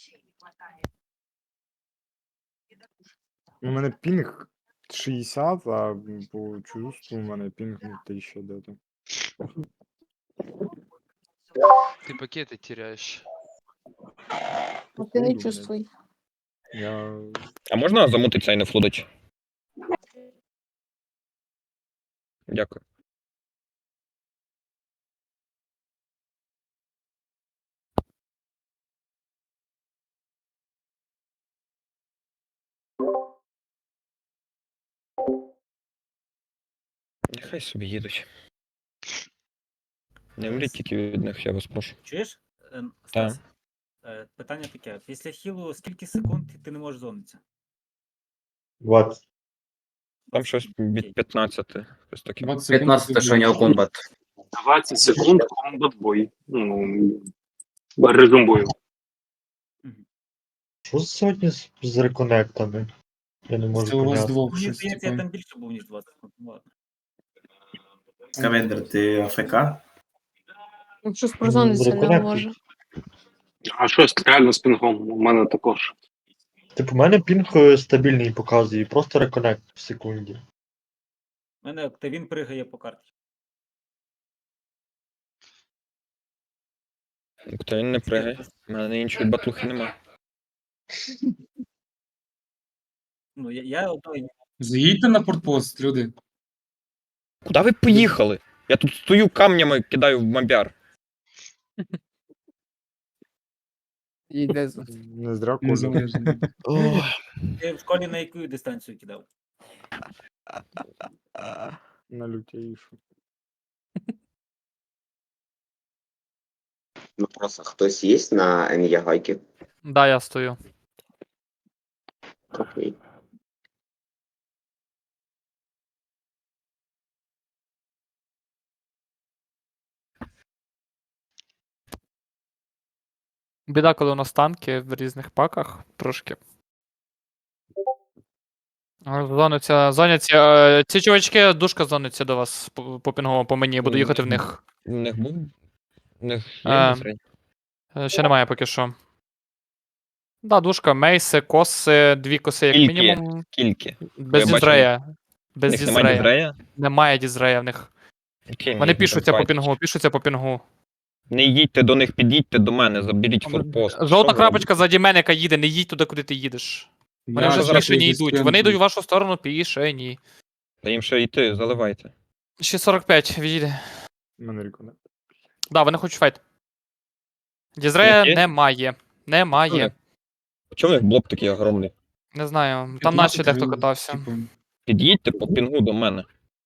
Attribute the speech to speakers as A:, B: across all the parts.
A: У мене пінг 60, а по чувству у мене пінг 1000 де-то.
B: Ты пакеты теряешь.
C: А ти не
A: Походу,
C: чувствуй.
A: Я...
D: А можна замутитися і не флудить? Дякую. Нехай собі їдуть. Не мріть тільки від них, я вас прошу.
E: Чуєш, Стас? Питання таке. Після хілу скільки секунд ти не можеш зонитися?
F: 20.
D: Там щось від 15. Щось таке.
G: 15 що у нього комбат.
H: 20 секунд комбат бой. Ну, режим бою.
F: Що сьогодні з реконектами? Я не можу
I: Це у вас
F: поняти.
I: двох
E: Мені
I: щось.
E: здається, я
I: типу.
E: там більше був, ніж 20 секунд. Ну, ладно.
G: Кавендер, ти АФК?
C: Якщо спрозонитися не
F: реконект.
C: може.
H: А щось реально з пінгом у мене також.
F: Типу, у мене пінг стабільний показує, просто реконект в секунді.
E: У мене Октавін пригає по карті.
D: Хто він не пригає. У мене іншої батлухи нема.
E: Ну, я одної.
I: Заїдьте на портпост, люди.
D: Куди ви поїхали? Я тут стою камнями, кидаю в мобяр.
A: Не зря коля.
I: Незалежно.
E: Ти в школі на яку дистанцію кидав?
A: На лютейшу.
J: Ну просто хтось є на Ен'ягайки?
K: Да, я стою.
J: Окей.
K: Біда, коли у нас танки в різних паках трошки. Зоняться. Ці чувачки, душка зониться до вас по пінговому, по мені, буду їхати в них.
D: У них був? У них є
K: Е,
D: насрень?
K: Ще немає поки що. Да, душка, мейси, коси, 2 коси як
D: Скільки?
K: мінімум.
D: Скільки?
K: Без
D: Я бачив,
K: дізрея.
D: У
K: Без
D: них немає
K: дізрея.
D: дізрея?
K: Немає дізрея в них.
D: Окей,
K: Вони
D: їх
K: пішуться по
D: забивайте.
K: пінгу,
D: Не їдьте до них, під'їдьте до мене, заберіть форпост. Що
K: Жовта
D: ви
K: крапочка заді мене, яка їде, не їдь туди, куди ти їдеш. Вони
I: Я
K: вже
D: зараз
K: пішені
I: десь
K: йдуть. Вони йдуть в вашу сторону пішені.
D: робите? Та їм ще йти, заливайте.
K: Ще 45 відійде.
A: У мене реконект.
K: Да, вони хочуть файт. Дізрея
D: Які?
K: немає. Немає.
D: Чому у них блок такий огромний?
K: Не знаю. Там
I: 15
K: наші дехто
I: хвилин,
K: катався.
I: типу.
D: Під'їдьте по пінгу до мене.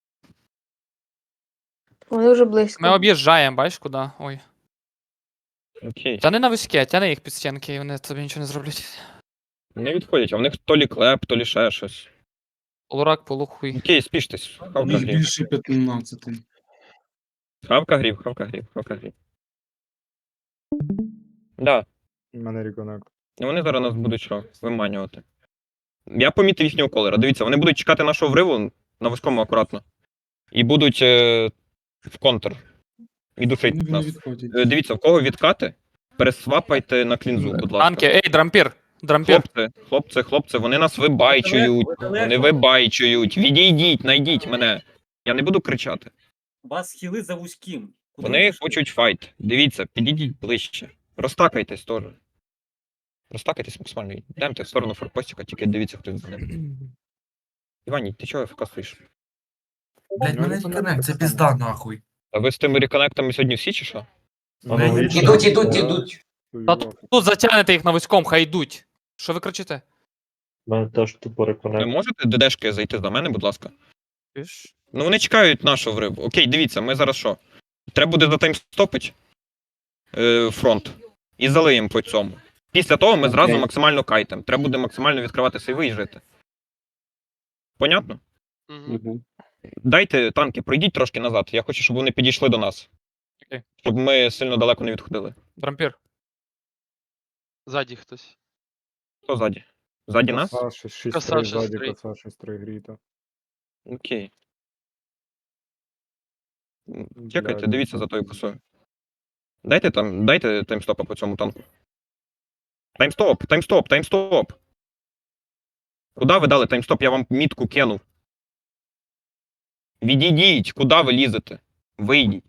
C: Вони вже близько.
K: Ми об'їжджаємо, бачиш куди? Ой.
D: Окей.
K: Тяни на вузьке, тяни їх під стінки, і вони тобі нічого не зроблять.
D: Не відходять, а в них то лі клеп, то лі ще щось.
K: Полурак, полухуй.
D: Окей, спіштесь.
I: У
D: Хавка
I: них
D: грів.
I: більше 15.
D: Хавка грів, хавка грів, хавка грів. Да.
A: У мене реконект.
D: Ну вони зараз нас будуть що? Виманювати. Я помітив їхнього колера. Дивіться, вони будуть чекати нашого вриву на вузькому акуратно. І будуть в контр. І душить
I: Вони
D: нас.
I: відходять.
D: Дивіться, в кого відкати, пересвапайте на клінзу, будь ласка.
K: Танки, ей, дрампір! Дрампір!
D: Хлопці, вони нас вибайчують. Вони вибайчують. Відійдіть, найдіть мене. Я не буду кричати.
E: У вас хіли за вузьким. Куди
D: Вони
E: ви пішли?
D: хочуть файт. Дивіться, підійдіть ближче. Розтакайтесь теж. Розтакайтесь максимально. Йдемте в сторону форпостіка, тільки дивіться, хто за ним. Івані, ти чого ФК стоїш?
A: Блять, мене реконект, це пізда
G: нахуй.
D: А ви з тими реконектами сьогодні всі чи що?
G: Ідуть.
K: Та тут затягнете їх на вузькому, хай йдуть. Що ви кричите?
F: У мене теж тупо
D: Ви
F: реконект.
D: можете ДДшки зайти до мене, будь ласка?
K: Піш.
D: Ну вони чекають нашого вриву. Окей, дивіться, ми зараз що? Треба буде затаймстопити фронт. І залиємо по цьому. Після того ми зразу
G: Окей.
D: максимально кайтем. Треба буде максимально відкривати сейви і жити. Понятно?
B: Мгм.
D: Дайте танки, пройдіть трошки назад. Я хочу, щоб вони підійшли до нас.
K: Окей.
D: Щоб ми сильно далеко не відходили.
K: Дрампір.
B: Ззаді хтось.
D: Хто ззаді? Ззаді нас?
A: Коса 6
B: Коса
A: 3
B: 6-3.
A: ззаді, коса 6-3 гріта.
D: Окей. Чекайте, дивіться за тою косою. Дайте таймстопа по цьому танку. Таймстоп, таймстоп, таймстоп. Куди ви дали таймстоп? Я вам мітку кинув. Відійдіть, куди ви лізете? Вийдіть.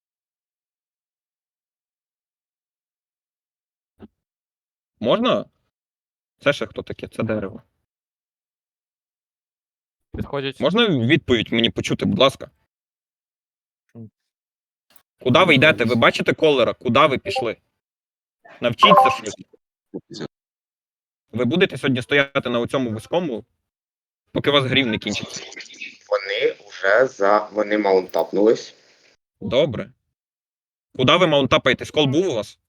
D: Можна? Це ще хто таке? Це дерево.
K: Підходять.
D: Можна відповідь мені почути, будь ласка? Куди ви йдете? Ви бачите колера? Куди ви пішли? Навчіться швидко. Ви будете сьогодні стояти на цьому вузькому, поки у вас грів не кінчиться.
J: Вони маунтапнулись.
D: Добре. Куди ви маунтапаєтесь? Кол був у вас?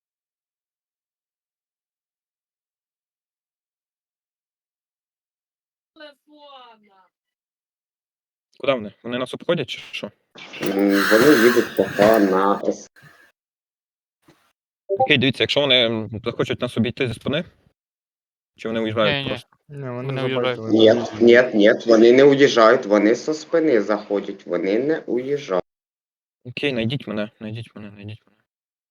D: Куди вони? Вони нас обходять чи що?
J: Вони їдуть поки на С.
D: Окей, дивіться, якщо вони захочуть нас обійти зі спини, чи вони уїжджають
K: Ні-ні.
D: просто?
A: Не,
K: Вони
A: вони
K: уїжджають.
A: забайтили.
J: Ні, вони не уїжджають, вони со спини заходять, вони не уїжджають.
D: Окей, найдіть мене, найдіть мене, найдіть мене.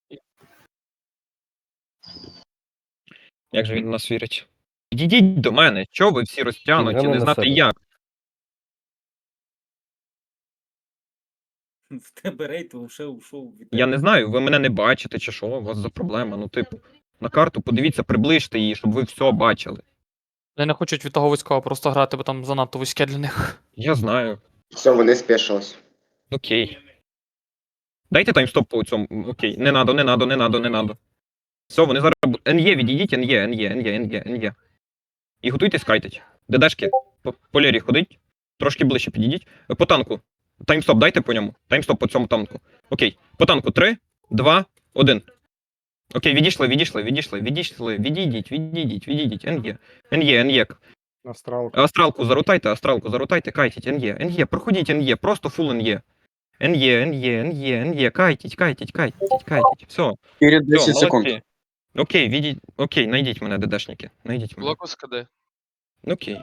D: Як же він в нас вірить? Підійдіть до мене, чого ви всі розтягнуті, не знати як.
E: В тебе рейд вже ушов від
D: Я не знаю, ви мене не бачите чи що, у вас за проблема. Ну, типу, на карту подивіться, приближте її, щоб ви все бачили.
K: Вони не хочуть від того вузького просто грати, бо там занадто вузьке для них.
D: Я знаю.
J: Все, вони спішились.
D: Окей. Дайте таймстоп по цьому. Окей. Не надо, не надо, не надо, не надо. Все, вони зараз. НЄ відійдіть, НЄ. І готуйтесь кайтить. ДДшки, по лірі ходить. Трошки ближче підійдіть. По танку. Таймстоп дайте по ньому. Таймстоп по цьому танку. Окей. По танку 3, 2, 1. Окей, відійшли. Відійдіть. НЄ.
A: Астралку.
D: Зарутайте, кайтіть. НЄ, проходіть НЄ, просто фул НЄ. НЄ, кайтіть. Все.
I: Перед
D: Все,
I: 10 секунд.
D: молодці. Окей, найдіть мене, ДДшники. Найдіть мене.
B: Локус КД.
D: Окей.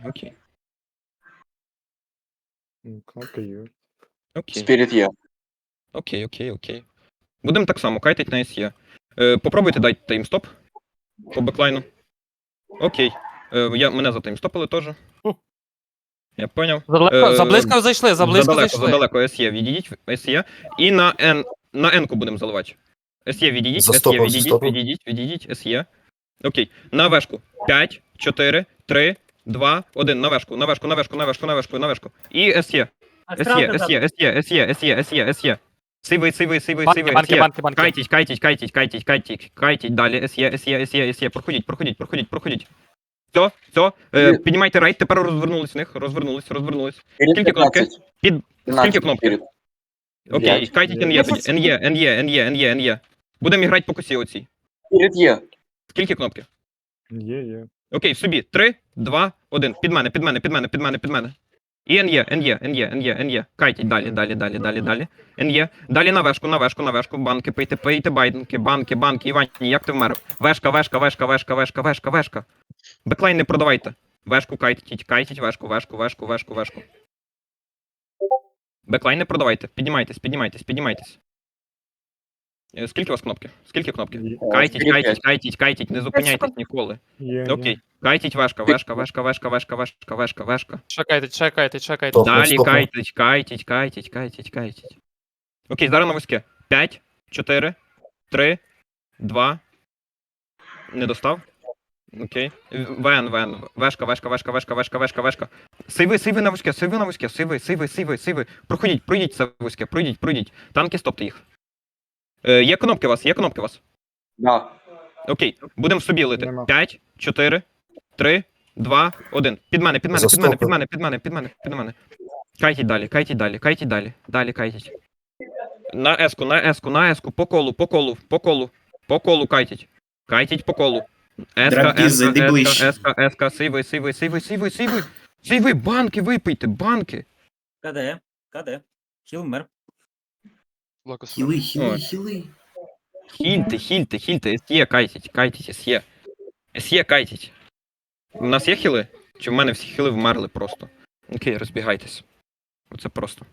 A: Кнопка є.
D: Окей.
I: Спіріт є.
D: Окей. Будемо так само, кайтить на СЄ. Попробуйте дайте таймстоп по беклайну. Окей. Мене затаймстопили теж. Я поняв.
K: Заблизько зайшли, зайшли.
D: Задалеко СЄ відійдіть, СЄ. І на N-ку будемо заливати. СЄ відійдіть, СЄ. Окей. На вешку. 5, 4, 3, 2, 1. На вешку. І СЄ. СЄ. Сивий.
K: Банки.
D: Кайтіть далі. СЄ. Проходіть. Все. Піднімайте рейд, тепер розвернулись в них. Розвернулись. Скільки кнопки? Скільки кнопки? Окей, кайтіть НЄ. Будемо грати по косі оцій.
I: Спіріт є.
D: Скільки кнопки?
A: Є.
D: Окей, собі. 3, 2, 1. Під мене. І НЄ. Кайтіть далі. НЄ. Далі на вешку. Банки, пийте банки. Івані, як ти вмер? Вешка. Беклайн не продавайте. Вешку кайтіть, вешку. Беклайн не продавайте. Піднімайтесь. Скільки у вас кнопки?
A: Є.
D: Кайтіть, не зупиняйтесь ніколи.
A: Є.
D: Окей. Кайтіть вешка.
K: Чекайте.
D: Далі кайтіть. Окей, зараз на вузьке. 5, 4, 3, 2. Не достав? Окей. ВН. Вешка. Сейви на вузьке. Сейви. Пройдіть це вузьке. Пройдіть. Танки, стопте їх. Є кнопки у вас?
I: Да.
D: Окей, будемо собі лити.
A: Нема.
D: 5, 4, 3, 2, 1. Під мене. Кайтіть далі. Далі кайтіть. На еску. По колу кайтіть. Кайтіть по колу. Еска. Сейви, банки випийте, банки.
E: КД. Хілмер.
B: Локус.
I: Хіли.
D: Хільте. СЄ кайтіть. У нас є хіли? Чи в мене всі хіли вмерли просто? Окей, розбігайтесь. Оце просто.